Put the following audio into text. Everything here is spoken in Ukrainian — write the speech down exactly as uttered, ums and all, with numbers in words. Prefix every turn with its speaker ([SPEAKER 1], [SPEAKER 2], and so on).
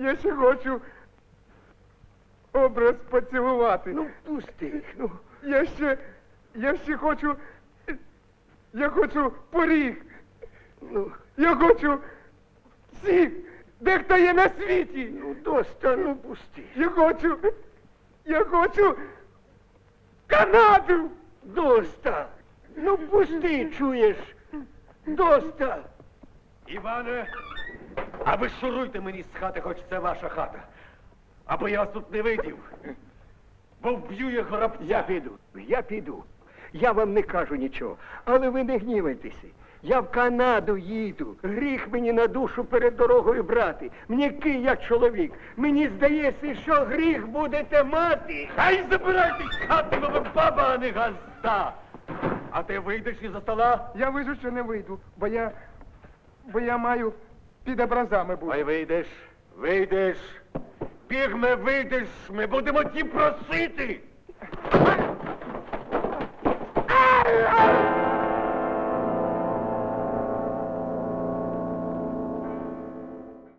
[SPEAKER 1] я ще хочу образ поцілувати.
[SPEAKER 2] Ну, пусти, ну.
[SPEAKER 1] Я ще, я ще хочу, я хочу поріг.
[SPEAKER 2] Ну,
[SPEAKER 1] Я хочу всіх, де хто є на світі.
[SPEAKER 2] ну, доста, ну, пусти.
[SPEAKER 1] Я хочу, я хочу Канаду.
[SPEAKER 2] Доста. Ну, пусти, чуєш? Доста.
[SPEAKER 3] Іване, а ви шуруйте мені з хати, хоч це ваша хата. Або я вас тут не видів. Бо вб'ю я горобця.
[SPEAKER 2] Я піду, я піду. Я вам не кажу нічого, але ви не гнівайтеся. Я в Канаду їду. Гріх мені на душу перед дорогою брати. М'який я чоловік. Мені здається, що гріх будете мати.
[SPEAKER 3] Хай забирайтесь з хати, бо ви баба, а не газда. А ти вийдеш із-за стола?
[SPEAKER 1] Я вижу, що не вийду, бо я, бо я маю під образами бути.
[SPEAKER 3] Ой, вийдеш, вийдеш. Бігме, вийдеш, ми будемо ті просити.